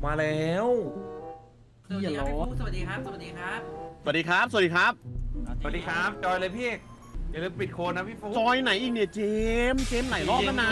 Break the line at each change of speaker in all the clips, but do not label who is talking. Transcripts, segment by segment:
มาแล้ว
สวัสดีครับพี่ฟุ๊กสวัสดีครับ สวัสดีครับ
สวัสดีครับ สวัสดีครับ
สวัสดีครับจอยเลยพี่เอกอย่าลืมปิดโคนนะพี่ฟุ๊ก
จอยไหนอีกเนี่ยเจมส์ไหนรอบแล้วนะ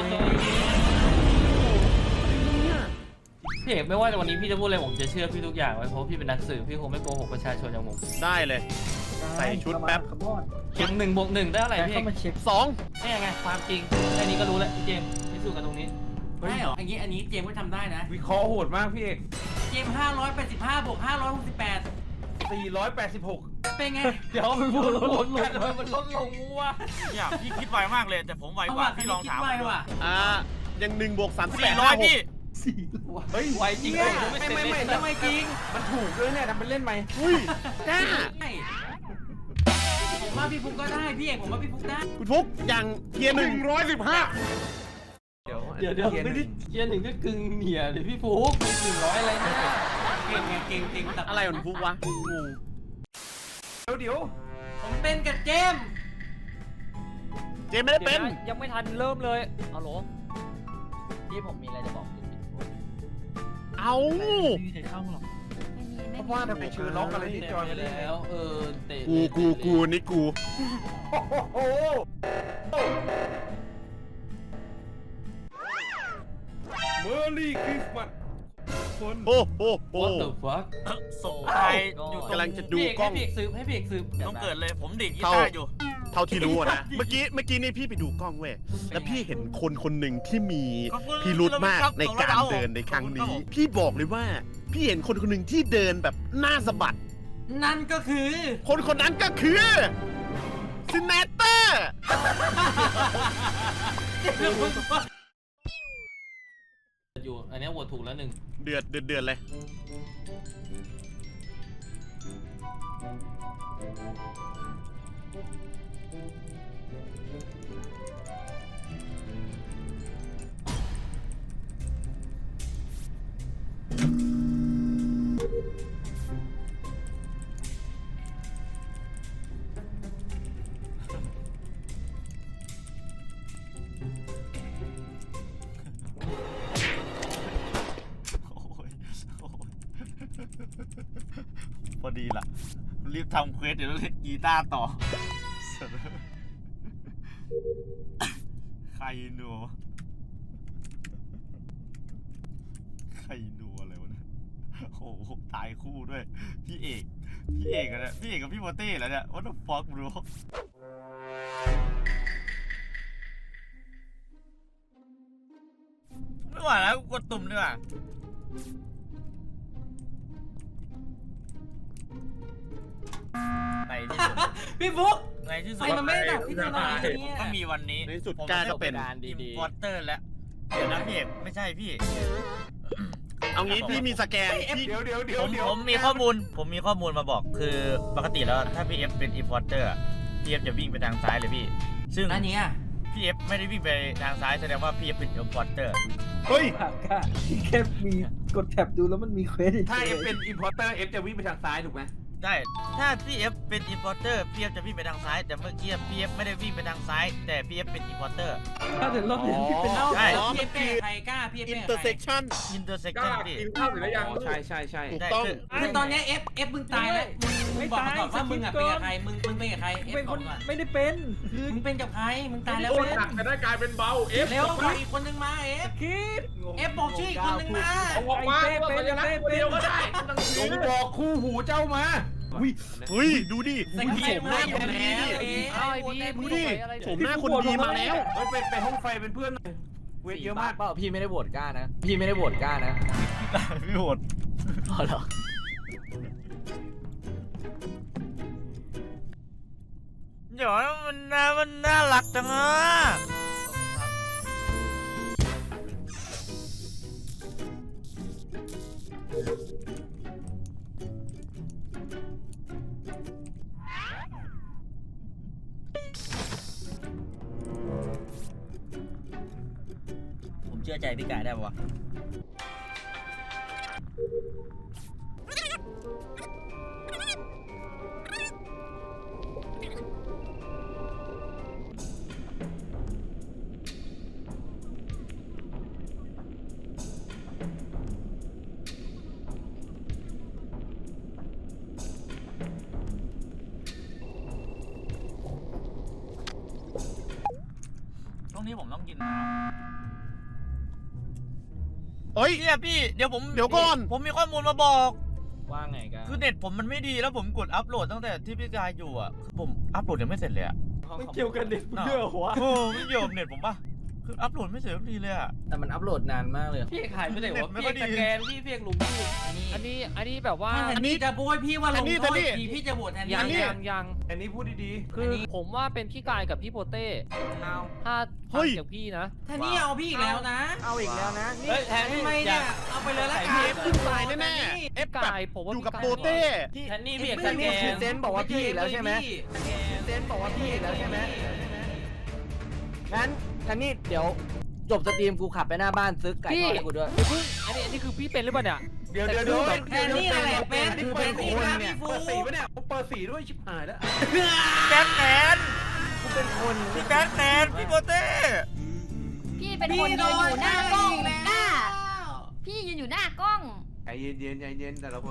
พี่เอกไม่ว่าวันนี้พี่จะพูดอะไรผมจะเชื่อพี่ทุกอย่างไว้เพราะพี่เป็นนักสืบพี่คงไม่โกหกประชาชนอย่างผม
ได้เลย ใส่ชุดแป๊บ
อย่าง1+1ได้เท่าไหร่พี่เอก
2
นี่ยังไงความจริงแค่นี้ก็รู้แล้วพี่เจมส์พิสูจน์กันตรงนี้
ได้เหรออันนี้เจมส์ก็ทำได้นะ
วิเคราะห์โหดมากพี่เอก
เจมส์585บวก568
486
เป็นไง
เดี๋ยวมันพูดลดลงมันลดลงว่ะ
เนี่ยพี่คิดไวมากเลยแต่ผมไวกว่าพี่ลองถาม
คิดไวว่ะ
ยัง1 บวก 38
400พี่
เฮ้ย
ไวจริง
เนี่ย
ไม่
ทำไมจริง
มันถูกด้วยเนี่ยทำเป็นเล่นไหม
อุ้ยกล้า
ใช่ผมว่าพี่ฟุ๊กก็ได้พี่เอกผมว่าพี่ฟุ๊กได้
คุณฟุกอย่างเกียร์115
เดี๋ยวไม่ได้เกียร์หนึ่งก็กึ่งเหนียเลยพี่ฟุ๊ก100อะไรเนี่ย
เก่งไงเก่งแต่
อะไรของฟุกวะงง
เดี๋ยว
ผมเป็นกับเจมส์
เจมส์ไม่ได้เป็น
ยังไม่ทันเริ่มเลยเอาหรอพี่ผมมีอะไรจะบอก
เอา
เพราะว่าทำไมชื่อล็อกอะไรที่จอยไม่ได้
แล้วเตะ
กูนี่กู
โอ้โหเมอร์รี่คริสต์มาสคน
โอ้โห
What the fuck
ส่งใครอยู่ตรง
กำลังจะดูกล้อง
ให้พี่เอกสืบให้พี่เอกสืบ
ต้องเกิดเลยผมดีดกี
เข้า
ตาร์อยู่
เท่าที่รู้อะนะ เมื่อกี้นี่พี่ไปดูกล้องเว้ย แล้วพี่เห็นคนหนึ่งที่มีพิรุธมากในการเดินในครั้งนี้ พี่บอกเลยว่า พี่เห็นคนหนึ่งที่เดินแบบหน้าสะบัด
นั่นก็คือ
คนนั้นก็คือซินเนเตอร์
อยู่อันนี้โหวตถูกแล้วหนึ่ง
เดือดเลย
พอดีล่ะรีบทำเควสเดี๋ยวเล่นกีตาร์ต่อใครหนัวอะไรวะเนี่ยโอ้โหตายคู่ด้วยพี่เอกอะเนี่ยพี่เอกกับพี่โมเต้แล้วเนี่ย what the fuck bro ไม่ไหวแล้วกดตุ่มดีกว่าในที่สุด
พี่ฟุ๊ก
ในที่สุ
ไฟ
ด
มันไม่ได้ดับที่ถนนเนี่ย
ก็มีวันนี้
ในที่สุดกล้าก็เป็น
อิมพอร์เตอร์แล้วเดี๋ยวนะพี่เอกไม่ใช่พี่
เอางี้พี่มีสแกนพี่
เดี๋ยว
ผมมีข้อมูลมาบอกคือปกติแล้วถ้าพี่เอฟเป็นอิมพอร์เตอร์พี่เอฟจะวิ่งไปทางซ้ายเลยพี่ซึ่ง
อันนี้อ่ะ
พี่เอฟไม่ได้วิ่งไปทางซ้ายแสดงว่าพี่เอฟเป็นอิมพอร์เตอร์
เฮ้ย
แค่มีกดแท็บดูแล้วมันมีเควส
ถ้าเอฟเป็นอินพอร์เตอร์เอฟจะวิ่งไปทางซ้ายถูกไหม
ได้ถ้าพี่เอฟเป็นอิมพอร์เตอร์พี่เอฟจะวิ่งไปทางซ้ายแต่เมื่อกี้พี่เอฟไม่ได้วิ่งไปทางซ้ายแต่พี่เอฟเป็นอิมพอร์เตอร์
ถ้าเดี๋ยวรอบนี้พี่เป็น
เอ้า
ใช่
พี่เอฟเป็นใครกล้าพี่เอฟ
อิ
เป็น น
เตอร์
ใค
เซ็
ร
กชัน
อินเตอร์เซ็กชันพี่
ใช่
ถูกต้อง
คือตอนเนี้ยเอฟมึงตายแล้วมึงบอกมาก่อนว่ามึงอ่ะเป็นกับใครมึงเป็นกับใครเอฟ
เป็น
บ
ค
อก
น
ก่อน
ไม่ได้เป็นคือ
มึงเป็นกับใครมึงตายแล้ว
โอ้
เว้ย
หนักจะได้กลายเป็นเบาเอฟ
เร็วบอกอีกคนนึงมาเอฟ
คิด
เอฟบอกชื่ออีกคนนึงมา
เอาออกมาตัวสัญลักษณ์ตัวเดียวก็ได้จงบอกคู่หูเจ้ามา
เฮ้ย ดูดิ
แต่ง
โฉ
เต็ม
มห
แล้
น้าว คนดีดิ
เอฟ
เอาไอ้พี่
ดูดิโฉมหน้าคนดีมาแล้ว
เฮ้ยไปห้องไฟเป็นเพื่อนหน่อยเวทเยอะมาก
เปล่าพี่ไม่ได้โหวตกล้านะพี่ไม่ได้โหวตกล้านะ
พี่โหด
อ๋อเหรอ
เดี๋ยวมันน่ารักจังอ่ะ ผมเชื่อใจพี่กายได้ปะวะนี้ผมต้องกินน้
เฮ้ย
ำเนี่ยพี่เดี๋ยวก่อน ผมมีข้อมูลมาบอก
ว่าไงกัน
คือเน็ตผมมันไม่ดีแล้วผมกดอัพโหลดตั้งแต่ที่พี่กายอยู่อ่ะคือผมอัพโหลดยังไม่เสร็จเลยอ่ะ
มันเกี่ยวกันเด็กเพื่อหัว
โอ้ไม่เกี่ยวกับเน็ตผมป่ะคืออัพโหลดไม่เสร็จสักทีเลยอ่ะ
แต่มันอัพโหลดนานมากเลย
พี่ขายไม่ได้ว่า
ไม่
พี่
ค่อยดี
สแกนพี่เพียกหลุมพี่
อันนี้
อันนี้แบบว่า
ถ้าแทนนี่จะโบยพี่ว่าลงโทษ
แทนนี่
ทีพี่จะโหวตแทนนี่
ยัง
อันนี้
ยัง
อันนี้พูดดี
คือผมว่าเป็นพี่กายกับพี่โปเต้
เอา
ถ้า
เฮ้
ฟัง
ย
จากพี่นะ
แทนนี่เอาพี่อีกแล้วนะ
เอาอีกแล้วนะนี่
เฮ้ยแทน
ทำ
นี่
ไมเนี่ยเอาไปเลยละกัน
เอฟขึ้นตายแน่ๆเอฟแบบ
กายผมว่า
อยู่กับ
พี่กาย
โปเต้
แทนนี่พี่
แท
ส
น
แก
นี่คือน เซนบอกว่าพี่อีกแล้วใช่ไหม เซนบอกว่าพี่อีกแล้วใช่ไหมงั้นแทนนี่เดี๋ยวจบสตรีมกูขับไปหน้าบ้านซื้อไก่ทอดให้กูด้วย
อย่าเพิ่งอันนี้คือพี่เป็นหรือเปล่าเนี่ย
ๆ เดี๋ยว
แทนนี่อะไรเป็น
อันนี้
แท
เป็น
นนี่
คน
นะ
เนี่ย
พี่ฟู
เปิดสีปะเนี่ยเปิดสีด้วยชิบหายแล้ว
แบทแมน
กูเป็นคน
พี่แบทแมนพี่โปเต้
พี่เป็นคนยืนอยู่หน้ากล้องกล้าพี่ยืนอยู่หน้ากล้อง
ใจเย็นแต่ละคน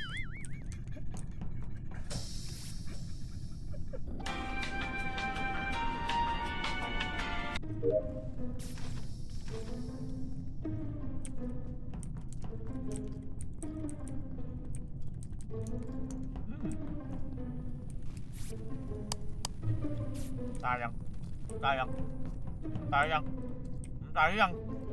ตายยังตายยังตายยังตายยัง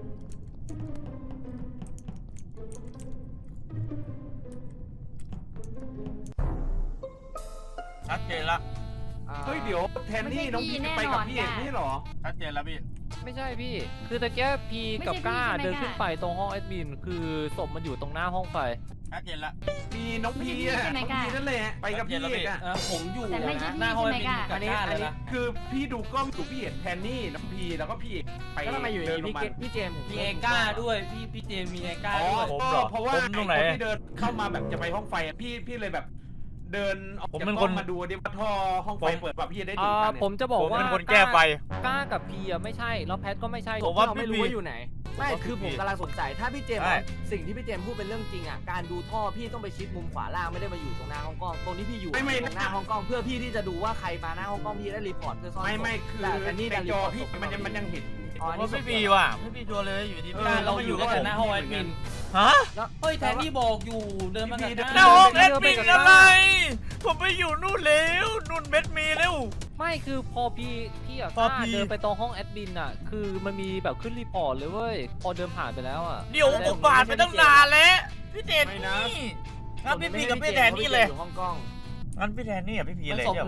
ชัดเจนละ
เฮ้ยเดี๋ยวแทนนี่น้องพี่ไปกับพี่เอกนี่หรอ
ชัดเจนแล้วพี่
ไม่ใช่พี่ คือตะเกียบพีกับก้าเดินขึ้นไปตรงห้องแอดมินคือศพมันอยู่ตรงหน้าห้องไฟ
ชัดเจนละ
มีน้องพีอ่ะน้องพีนั่นแหละไปกับพี่เอกอ่ะ
ผมอยู่
แต่ไม่ใช่
หน้าห้อง
พี่
มี
ใช่ไหม
กับก้าเลยนะ
คือพี่ดูกล้องอยู่พี่เห็นแทนนี่น้องพีแล้วก็พี่เอกไป
แล้วทำไมอยู่ดี
เดินล
พี่
งมา
พี่เจมส์
มีเอก้าด้วยพี่เจมีเอก้า
อ๋อ
ด้วย
เพราะว่าไอ้คนที่เดินเข้ามาแบบจะไปห้องไฟอะพี่เลยแบบ เดินออกจากกล้องมาดูดิว่าท่อห้องไฟเปิดป่ะพี่จะได้ดูกัน
ผมจะบอก
ผม
ว่า
เป็นคนแก้ไฟ
ก้ากับพีอะไม่ใช่แล้วแพทก็ไม่ใช่
ผมว่า
เราไม่รู้ว่าอยู่ไหน ไม่คือผมกำลังสงสัยถ้าพี่เจมส์
ใช่
สิ่งที่พี่เจมส์พูดเป็นเรื่องจริงอ่ะการดูท่อพี่ต้องไปชิดมุมขวาล่างไม่ได้มาอยู่ตรงหน้าห้องกล้องตรงที่พี่อยู่
ไม่
ตรงหน้าห้องกล้องเพื่อพี่ที่จะดูว่าใครมาหน้าห้องกล้องพี่ได้รีพอร์ตเพื่อซ่อน
ไม่คือ
แต่แทนนี่
ใน
ดันรี
จอ
พอร์ต
พี่มันยังเห็น
อ๋ออัน
ว่า
นี้
พี่บีว่ะพี่บีชัวร์เลยอยู่ดี
ก้าเราอยู่กันแต่หน้าห้องแอดมิน
ฮะ
เฮ้ยแทนนี่บอกอยู่เดินมากับ
หน้า
ก้า
ห้องแอดมินอะไร ผมไปอยู่นู่นแล้วนู่นเม็ดมีแล้ว
ไม่คือพอพี่กับ
พอ
ก้า
พี่
เดินไปตรงห้องแอดมินอะคือมันมีแบบขึ้นรีพอร์ตเลยเว้ยพอเดินผ่านไปแล้วอะ
เดี๋ยวผมผ่านไปตั้งนานแล้วพี่เจน
ไม่
นี่
นะ
งั้นพี่พีกับพี่แทนนี่เลย
อยู่ห้องกล้อง
งั้นพี่แทนนี่กับพี่พี
มัน
เลย
ศพ
เดี๋ยวน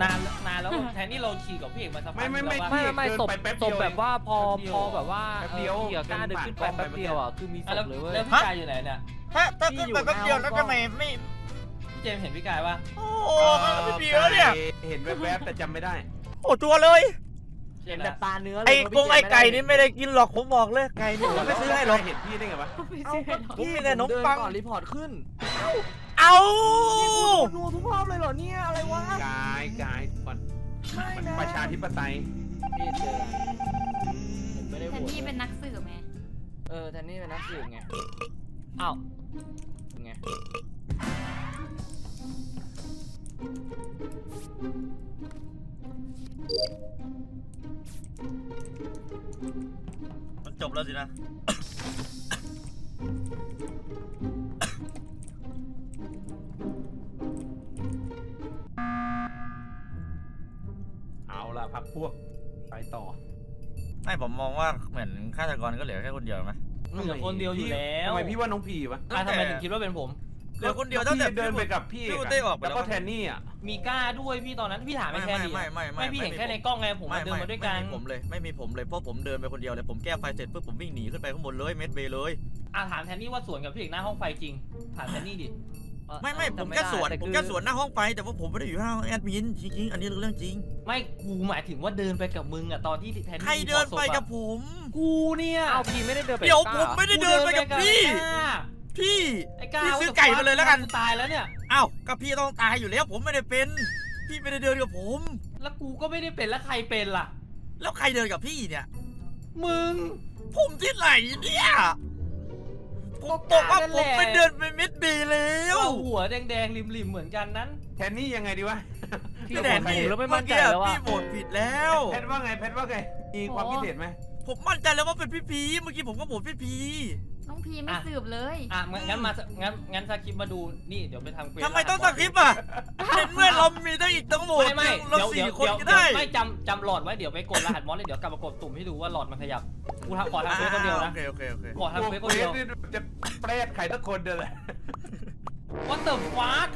านแล้วแทนนี่เราขี่กับพี่เอกมาสักพัก
ไม่
ไม่ศพ
เดินไปแป๊บ
ศ
เดี
พ
ยว
แบบว่าพอ
แป๊บเดียว
พอแบบว่า
แป๊บเดียว
พี่กับก้าเดินขึ้นไปแป๊บเดียวอะคือมีศ
แล้ว
พเลยเว้ย
แล้วพี่กายอยู่ไหนเนี่ย
ถ้าขึ้นไปแป๊บเดียวแล้วทำไมไม่
พี่เจมเห็นพี่กายปะ
โอ้โหพี่พีแล้วเนี่ย
เห็นแวบๆแต่จำไม่ได้
โอ้จัวเลย
เห็นแต่ตาเนื้อเลย
ไอ้
ว่า
ก
พี่
ง
เจมส์
ไอ้ไก่
ม่ด้
นี่ไม่ได้กินหรอกผมบอกเลยไก่นี่ผมไม่ซื้อให้หรอก
เห็นพี่ได้ไงวะ
เอาก็
ผมมีแต่ขนม
เดิ
ปัง
ก่อนรีพอร์ตขึ้น
เอา
นัวทุกรอบเลยเหรอเนี่ยอะไรวะ
กายมันประชาธิปไตย
พี่เจอผมไม่ได้
แท
โห
น
วต
นี่เป็นนักสืบไหม
แทนนี่เป็นนักสืบไง
อ้าว
ไง
มันจบแล้วสินะ
เอาล่ะพักพวกไปต่อ
ไม่ผมมองว่าเหมือนฆาตกรก็เหลือแค่คนเดียวไหม
เหลือคนเดียวอยู่แล้ว
ทำไมพี่ว่าน้องพีวะ
ทำไมถึงคิดว่าเป็นผม
เหลือคนเดียวตั้งแต่
พี่เดินไปกับพี่
พี่เต้ออกไป
แล้วก็แทนนี่อ่ะ
มีก้าด้วยพี่ตอนนั้นพี่ถามไม่แค่นี้
ไม่
พี่เห็นแค่ในกล้องไงผมมาเดินมาด้วยกัน
ไม่มีผมเลยเพราะผมเดินไปคนเดียวเลยผมแก้ไฟเสร็จปุ๊บผมวิ่งหนีขึ้นไปข้างบนเลยเม็ดเบย์เลย
ถามแทนนี่ว่าสวนกับพี่เอกหน้าห้องไฟจริงถามแทนนี่ดิ
ไม่ผมแค่สวนหน้าห้องไฟแต่ว่าผมไม่ได้อยู่หน้าห้องแอดมินจริงๆอันนี้เรื่องจริง
ไม่กูหมายถึงว่าเดินไปกับมึงอะตอนที่แทนนี่
ใครเดินไปกับผม
กูเนี่ย
อ้าวพีไม่ได้เดินไป
เดี๋ยว
ก้า
ผมไม่ได้เดินไปกับพี่ พี่
ไอ้ก้า
พี่ซื้อไก่มาเลยแล้วกัน
ตายแล้วเนี่ย
อ้าวกับพี่ต้องตายอยู่แล้วผมไม่ได้เป็น พี่ไม่ได้เดินกับผม
แล้วกูก็ไม่ได้เป็นแล้วใครเป็นล่ะ
แล้วใครเดินกับพี่เนี่ย
มึง
ผมที่ไหนเนี่ยผมบอกว่าผมไปเดินไปเม็ดเบย์แล้ว
เอาหัวแดงๆริมๆเหมือนกันนั้น
แทนนี่ยังไงดีวะ
พี่แดนนี่
แล้วไม่มั่นใจแล้ว
พี่
อะ
โหวตผิดแล้ว
แพทว่าไงมีความคิดเห็นไหม
ผผมมั่นใจแล้วว่าเป็นพี่พีเมื่อกี้ผมก็โหวตพี่พี
น้องพีไม่สืบเลย
อ่ะงั้นสคริปต์มาดูนี่เดี๋ยวไปทำเควส
ทำไมต้องสคริปต์อ่ะเห็นเมื่อเรามีตั้งอีกตั้งโหวต
ไม่
เรา
เดี๋ยว
4 คนก็ได้
ไม่จำหลอดไว้เดี๋ยวไปกดรหัสมอสเลยเดี๋ยวกลับมากดตุ่มให้ดูว่าหลอดมันขยับกูขอทำเควสคนเดียวนะ
โอเค
ขอทำเควสคนเดียว
นี่จะเปรตใครสักคนเดียวแหละ
What the fuck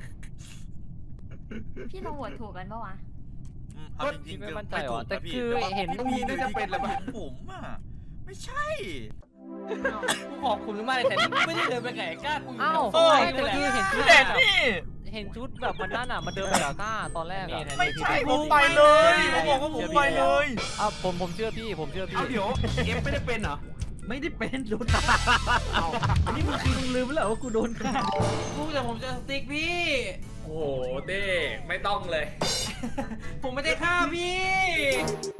พี่ลองโหวตถูกกันปะวะ
เอาจริงๆ
ไม่
คือ
มั่นใจ
ไม่
หร
ถู
อก แต่
นะพี่
คือเห็น
พี่น่าจะเป็นแหละมั้ง
ผมอ่ะไม่ใช่
กูขอบคุณมากเลยแต่นี่ไม่ได้เดินไปไก่กล้ากูอยู่
อ้าว
แถว
ไม่แต่คือเห็นชุด
เด็ดนี่
เห็นชุดแบบมันนั่นอ่ะมันเดินไปกับก้าตอนแรกอ่ะ
ไม่ใช่ผมไปเลยผมบอกว่าผมไปเลย
ผมเชื่อพี่ผมเชื่อพี่
เอาเดี๋ยวเอฟไม่ได้เป็นเหรอ
ไม่ได้เป็นรุด
เอา
อันนี้มึงลืมแล้วว่ากูโดนฆ่า
กูแต่ผมจะสติ๊กพี่
โอ้โหเต้ไม่ต้องเลย
ผมไม่ได้ฆ่าพี่